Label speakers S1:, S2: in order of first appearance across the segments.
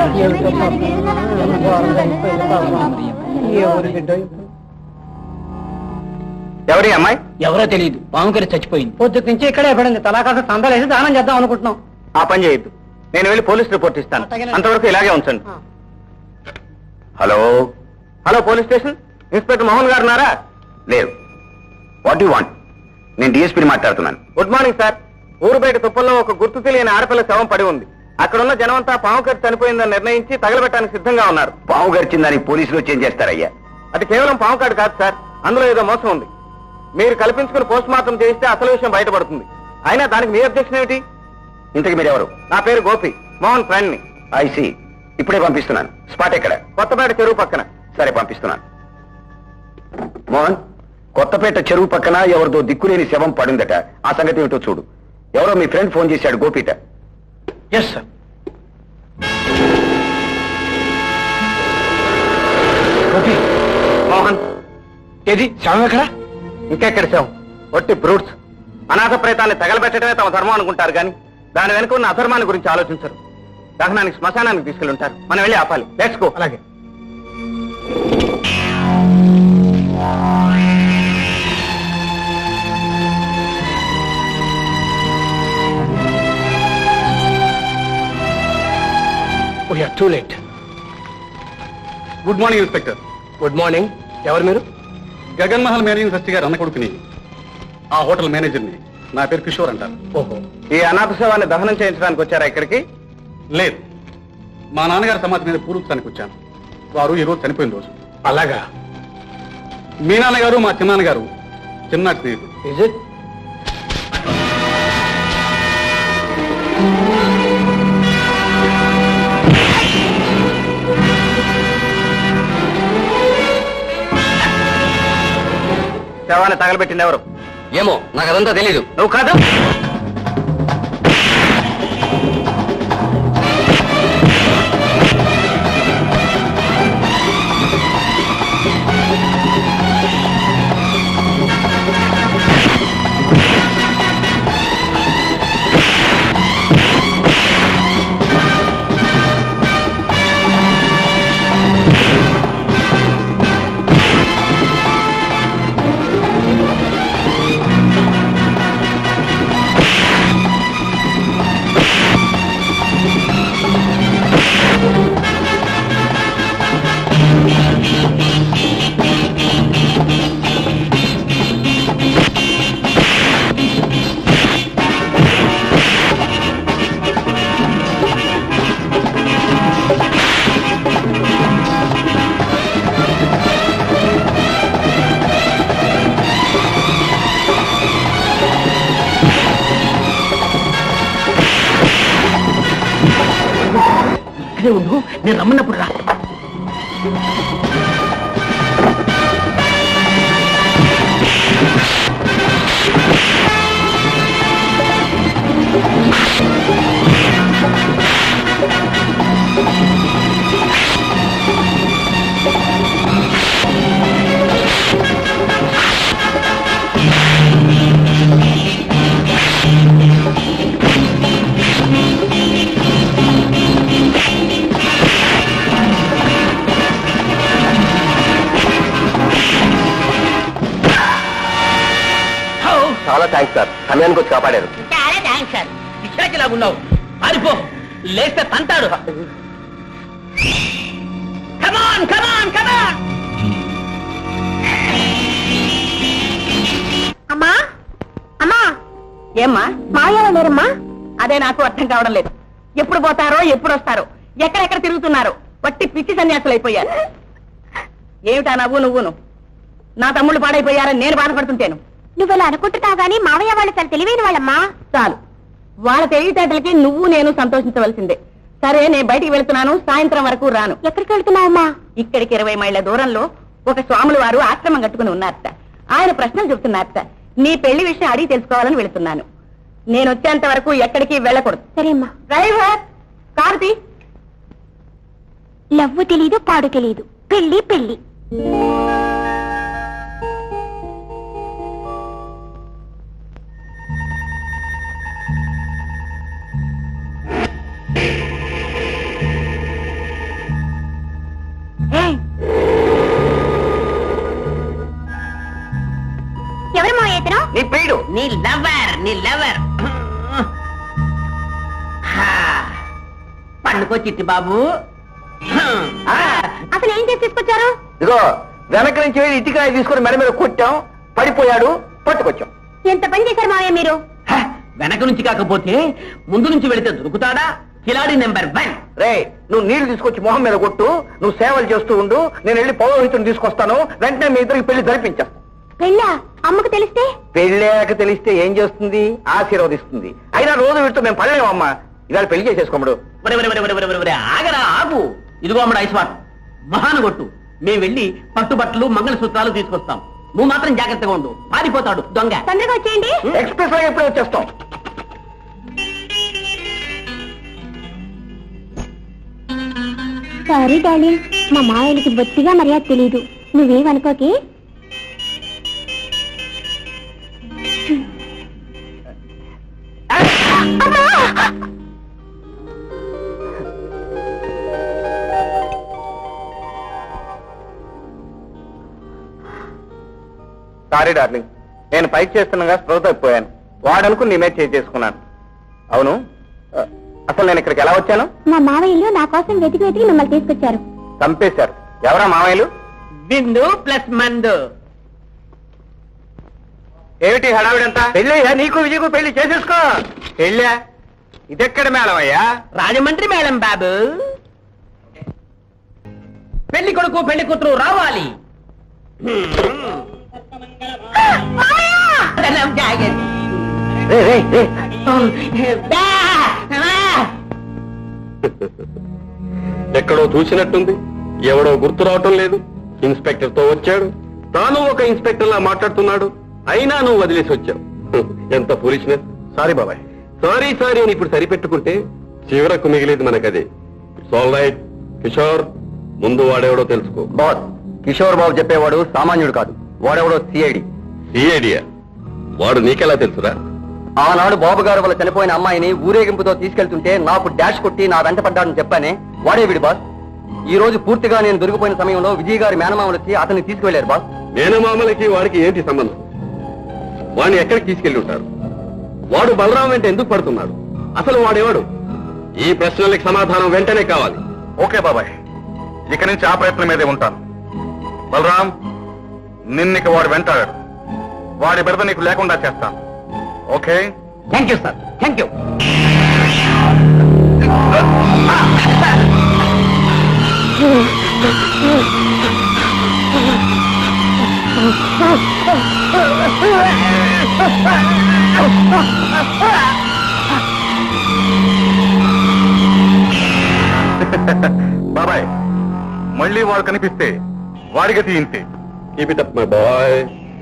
S1: ఎవరి అమ్మాయి?
S2: ఎవరో తెలియదు, పాముకరి చచ్చిపోయింది.
S3: పొద్దుటి నుంచి ఇక్కడే పడింది. తలాకాస సందాలేసి దానం చేద్దాం అనుకుంటున్నాం.
S1: ఆ పని చేయొద్దు, నేను వెళ్ళి పోలీస్ రిపోర్ట్ ఇస్తాను. అంతవరకు ఇలాగే ఉంచండి. Hello hello, police station inspector Mohan గారు ఉన్నారా? లేరు. What you want? నేను డిఎస్పీని మాట్లాడుతున్నాను. Good morning sir. ఊరు బయట తుప్పల్లో ఒక గుర్తు తెలియని ఆడపిల్ల శవం పడి ఉంది. అక్కడున్న జనమంతా పాము కరిచి చనిపోయిందని నిర్ణయించి తగలబెట్టడానికి సిద్ధంగా ఉన్నారు. పాము గరిచిందని పోలీసులు వచ్చి ఏం చేస్తారయ్యా? అది కేవలం పాము కాడు కాదు సార్, అందులో ఏదో మోసం ఉంది. మీరు కల్పించుకుని పోస్ట్ మార్టం చేయిస్తే అసలు విషయం బయటపడుతుంది. అయినా దానికి మీ అబ్జెక్షన్ ఏమిటి? ఇంతకు మీరెవరు? నా పేరు గోపి, మోహన్ ఫ్రెండ్ ని. ఐసి, ఇప్పుడే పంపిస్తున్నాను. స్పాట్ ఎక్కడ? కొత్తపేట చెరువు పక్కన. సరే, పంపిస్తున్నాను. మోహన్, కొత్తపేట చెరువు పక్కన ఎవరిదో దిక్కులేని శవం పడిందట. ఆ సంగతి ఏమిటో చూడు. ఎవరో మీ ఫ్రెండ్ ఫోన్ చేశాడు, గోపిట.
S2: Yes sir. గోపి,
S1: మోహన్,
S2: ఏది శవం ఎక్కడ?
S1: ఇంకెక్కడ శవం? ఒట్టి బ్రూట్స్. అనాథ ప్రేతాన్ని తగలబెట్టడమే తమ ధర్మం అనుకుంటారు కానీ దాని వెనుక ఉన్న అధర్మాన్ని గురించి ఆలోచించరు. దహనానికి శ్మశానానికి తీసుకెళ్ళుంటారు. మనం వెళ్ళి ఆపాలి. Let's go.
S2: అలాగే. Too late.
S4: Good morning inspector.
S2: Good morning. ఎవరు మీరు?
S4: గగన్ మహల్ మేనేజింగ్ ట్రస్టీ గారు అన్న కొడుకుని, ఆ హోటల్ మేనేజర్ని. నా పేరు కిషోర్ అంటారు.
S2: ఓహో,
S1: ఈ అనాథ శవాన్ని దహనం చేయించడానికి వచ్చారా ఇక్కడికి?
S4: లేదు, మా నాన్నగారి సమాధి మీద పూర్వస్థానికి వచ్చాను. వారు ఈరోజు చనిపోయిన రోజు.
S2: అలాగా.
S4: మీ నాన్నగారు మా చిన్నాన్నగారు చిన్న స్నేహితుడు.
S2: Is it?
S1: శవాన్ని తగలబెట్టింది ఎవరు?
S2: ఏమో, నాకు అదంతా తెలీదు.
S1: నువ్వు కాదు.
S2: ఇక్కడే ఉండు, నేను రమ్మన్నప్పుడు రా.
S1: చాలా థ్యాంక్స్ సార్, సమయానికి వచ్చి కాపాడారు.
S3: చాలా థ్యాంక్స్ సార్. ఇక్కడికిలాగున్నావు, పారిపో, లేస్తే తంతాడు. కమాన్ కమాన్ కమాన్. అమ్మా అమ్మా. ఏమ్మా? మాయా లేరమ్మా? అదే నాకు అర్థం కావడం లేదు. ఎప్పుడు పోతారో, ఎప్పుడు వస్తారో, ఎక్కడెక్కడ తిరుగుతున్నారో. వట్టి పిచ్చి సన్యాసులు అయిపోయారు. ఏమిటా నువ్వును? నా తమ్ముళ్ళు పాడైపోయారని నేను బాధపడుతుంటాను.
S5: నువ్వెలా అనుకుంటున్నావు గానీ మావయ్య వాళ్ళు చాలా తెలివైన వాళ్ళమ్మా.
S3: చాలు, వాళ్ళ తెలివితేటలకి నువ్వు నేను సంతోషించవలసిందే. సరే, నేను బయటికి వెళ్తున్నాను, సాయంత్రం వరకు రాను.
S5: ఎక్కడికి వెళ్తున్నావమ్మా?
S3: ఇక్కడికి 20 మైళ్ళ దూరంలో ఒక స్వాములు వారు ఆశ్రమం కట్టుకుని ఉన్నారట. ఆయన ప్రశ్నలు చెబుతున్నారట. నీ పెళ్లి విషయం అడిగి తెలుసుకోవాలని వెళుతున్నాను. నేను వచ్చేంత వరకు ఎక్కడికి వెళ్ళకూడదు.
S5: సరేమ్మా.
S3: డ్రైవర్, కారుతి.
S5: లవ్వు తెలీదు, పాడు తెలీదు, పెళ్లి పెళ్లి.
S3: పండుకో చిట్టి బాబు
S5: అసలు ఏం చేసి తీసుకొచ్చారు?
S1: ఇదిగో వెనక నుంచి వెళ్ళి ఇటుకాయ తీసుకొని మెడ మీద కొట్టాం, పడిపోయాడు, పట్టుకొచ్చాం.
S5: ఎంత పని చేశారు మావయ్య మీరు?
S3: వెనక నుంచి కాకపోతే ముందు నుంచి వెళితే దొరుకుతాడా? కిలాడి నెంబర్ 1.
S1: రే, నువ్వు నీళ్లు తీసుకొచ్చి మొహం మీద కొట్టు, నువ్వు సేవలు చేస్తూ ఉండు, నేను వెళ్ళి పౌరోహితుని తీసుకొస్తాను, వెంటనే మీ ఇద్దరికి పెళ్లి జరిపించేస్తాను.
S5: పెళ్ళా? అమ్మకు తెలిస్తే?
S1: పెళ్ళాక తెలిస్తే ఏం చేస్తుంది? ఆశీర్వదిస్తుంది. అయినా రోజు వీటితో మేము పడలేమమ్మా. ఇవాళ పెళ్లి చేసేసుకోమడు.
S3: ఆగరా, ఆగు. ఇదిగో అమ్మడు ఐస్వాట్, మహాను కొట్టు. మేము వెళ్ళి పట్టుబట్టలు మంగళసూత్రాలు తీసుకొస్తాం. నువ్వు మాత్రం జాగ్రత్తగా ఉండు, పారిపోతాడు దొంగ.
S5: తొందరగా వచ్చేయండి.
S1: ఎక్స్ప్రెస్ లాగా ఎప్పుడే వచ్చేస్తాం.
S5: సారీ డార్లింగ్, మా మావయ్యకి బొత్తిగా మర్యాద తెలీదు. నువ్వేమనుకోకి.
S1: సారీ డార్లింగ్, నేను పైకి చేస్తుండగా స్పృహ తప్పిపోయాను. వాడనుకుని నీ మీద చేసుకున్నాను. అవును, అసలు నేను ఇక్కడికి ఎలా వచ్చాను?
S5: మా మావయ్యలు నా కోసం వెతికి వెతికి మిమ్మల్ని తీసుకొచ్చారు.
S1: చంపేశారు. ఎవరా మామయ్యలు?
S3: విందు ప్లస్ మందు.
S1: ఏమిటి హడావిడంతా? పెళ్ళయ్యా, నీకు విజయకు పెళ్లి చేసేసుకో. పెళ్ళా? ఇదెక్కడ మేళమయ్యా?
S3: రాజమండ్రి మేడం బాబు. పెళ్లి కొడుకు పెళ్లి కూతురు రావాలి.
S4: ఎక్కడో చూసినట్టుంది, ఎవడో గుర్తు రావటం లేదు. ఇన్స్పెక్టర్ తో వచ్చాడు, తాను ఒక ఇన్స్పెక్టర్ లా మాట్లాడుతున్నాడు, అయినా నువ్వు వదిలేసి వచ్చావు. ఎంత ఫూలిష్నెస్. సారీ బాబాయ్. సారీ అని ఇప్పుడు సరిపెట్టుకుంటే చివరకు మిగిలేదు మనకదే. It's all right. కిషోర్, ముందు వాడెవడో తెలుసుకో.
S1: బాస్, కిషోర్ బాబు చెప్పేవాడు సామాన్యుడు కాదు, వాడెవడో సిఐడి.
S4: సిఐడియా? వాడు నీకెలా తెలుసురా?
S1: ఆనాడు బాబు గారు వాళ్ళ చనిపోయిన అమ్మాయిని ఊరేగింపుతో తీసుకెళ్తుంటే నాకు డాష్ కొట్టి నా వెంట పడ్డాడని చెప్పానే, వాడే వీడి బాస్. ఈ రోజు పూర్తిగా నేను దొరికిపోయిన సమయంలో విజయ్ గారి మేనమామలు వచ్చి అతన్ని తీసుకువెళ్లారు బాస్.
S4: మేనమామలకి వాడికి ఏంటి సంబంధం? వాడిని ఎక్కడికి తీసుకెళ్లి ఉంటారు? వాడు బలరాం వెంట ఎందుకు పడుతున్నాడు? అసలు వాడేవాడు? ఈ ప్రశ్నలకు సమాధానం వెంటనే కావాలి.
S6: ఓకే బాబాయ్, ఇక నుంచి ఆ ప్రయత్నం మీదే ఉంటాను. బలరాం, నిన్నిక వాడు వెంటాడాడు, వాడి బిడత నీకు లేకుండా చేస్తాను. Okay?
S3: Thank you sir, thank you.
S6: బాబాయ్, మళ్ళీ వాడు కనిపిస్తే వాడి గతి ఇంతే.
S4: Keep it up my boy.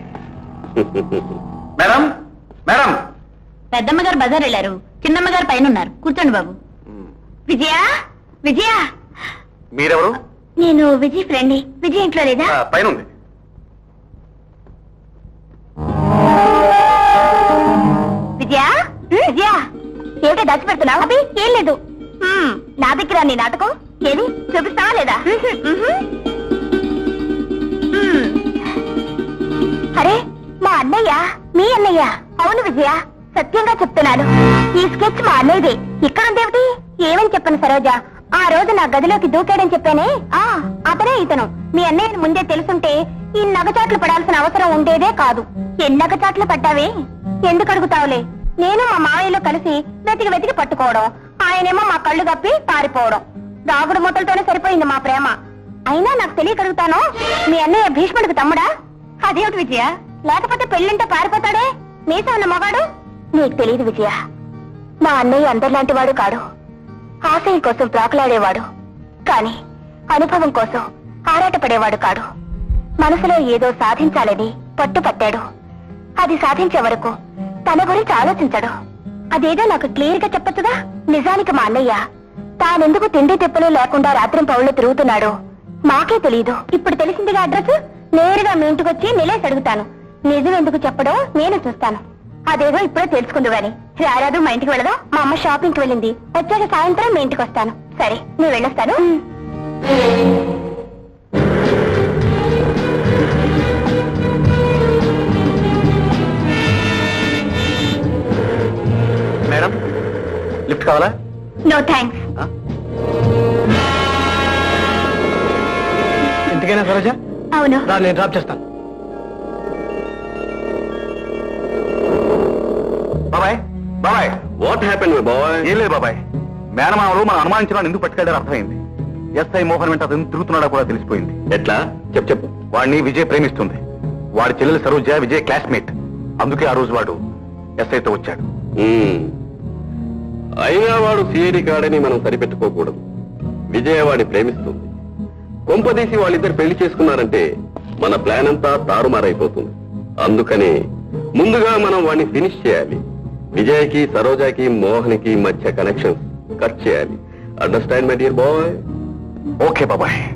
S6: Madam, madam.
S5: పెద్దమ్మ గారు బజార్ వెళ్ళారు, చిన్నమ్మ గారు పైన ఉన్నారు. కూర్చోండి బాబు. విజయ, విజయ.
S6: మీరెవరు?
S5: నేను విజయ్ ఫ్రెండ్. విజయ్ ఇంట్లో లేదా?
S6: పైన ఉంది.
S5: విజయ, విజయ, ఏమిటో దాచిపెడుతున్నావు? అవి ఏం లేదు. నా దగ్గర నీ నాటకం ఏది చూపిస్తావా లేదా? అరే, మా అన్నయ్య. మీ అన్నయ్య? అవును విజయ, సత్యంగా చెప్తున్నాను, ఈ స్కెచ్ మా అన్నయ్యదే. ఇక్కడుందేమిటి? ఏమని చెప్పను సరోజ, ఆ రోజు నా గదిలోకి దూకాడని చెప్పానే, అతనే ఇతను. మీ అన్నయ్యను ముందే తెలుసుంటే ఈ నగచాట్లు పడాల్సిన అవసరం ఉండేదే కాదు. ఎన్ని నగచాట్లు పడ్డావే? ఎందుకు అడుగుతావులే. నేను మా మావయ్యలో కలిసి వెతికి వెతికి పట్టుకోవడం, ఆయనేమో మా కళ్ళు కప్పి పారిపోవడం. దాగుడు మూతలతోనే సరిపోయింది మా ప్రేమ. అయినా నాకు తెలియగలుగుతాను, మీ అన్నయ్య భీష్ముడికి తమ్ముడా? అదేమిటి విజయ, లేకపోతే పెళ్ళింటే పారిపోతాడే మీసా ఉన్న మగాడు? నీకు తెలియదు విజయ, మా అన్నయ్య అందరిలాంటి వాడు కాడు. ఆశయం కోసం ప్రాకులాడేవాడు, కాని అనుభవం కోసం ఆరాటపడేవాడు కాడు. మనసులో ఏదో సాధించాలని పట్టుపట్టాడు. అది సాధించే వరకు తన గురించి ఆలోచించడు. అదేదో నాకు క్లియర్ గా చెప్పచ్చుగా. నిజానికి మా అన్నయ్య తానెందుకు తిండి తిప్పలు లేకుండా రాత్రి పౌళ్ళు తిరుగుతున్నాడు మాకే తెలియదు. ఇప్పుడు తెలిసిందిగా అడ్రస్. నేరుగా మీ ఇంటికి వచ్చి నిలేసి అడుగుతాను. నిజం ఎందుకు చెప్పడం నేను చూస్తాను. అదేదో ఇప్పుడే తెలుసుకుందు గాని రారాదు. మా ఇంటికి వెళ్ళదా? మా అమ్మ షాపింగ్ కి వెళ్ళింది. వచ్చాక సాయంత్రం మీ ఇంటికి వస్తాను. సరే, నేను వెళ్ళొస్తాను.
S6: మేడం, లిఫ్ట్ కావాలా?
S5: No thanks.
S2: ఇంటికైనా సరోజ
S5: అవును.
S2: రా, నేను డ్రాప్ చేస్తాను.
S6: బాబాయ్ బాబాయ్
S4: వాట్ హ్యాపెన్ బాయ్?
S6: ఏం లేదు బాబాయ్, మేనమామలు మనం అనుమానించిన ఎందుకు పట్టుకెళ్ళారు అర్థమైంది. ఎస్ఐ మోహన్ వెంట అతను తిరుగుతున్నాడా కూడా తెలిసిపోయింది.
S4: ఎట్లా? చెప్పు.
S6: వాడిని విజయ్ ప్రేమిస్తుంది. వాడి చెల్లెలు సరోజ విజయ్ క్లాస్మేట్. అందుకే ఆ రోజు వాడు ఎస్ఐతో వచ్చాడు.
S4: అయినా వాడు సిఐడి కాడని మనం సరిపెట్టుకోకూడదు. విజయ వాడిని ప్రేమిస్తుంది. కొంపదీసి వాళ్ళిద్దరు పెళ్లి చేసుకున్నారంటే మన ప్లాన్ అంతా తారుమారైపోతుంది. అందుకని ముందుగా మనం వాడిని ఫినిష్ చేయాలి. విజయ్కి, సరోజాకి, మోహన్కి మధ్య కనెక్షన్స్ కట్ చేయాలి. Understand my dear boy?
S6: Okay బాబాయ్.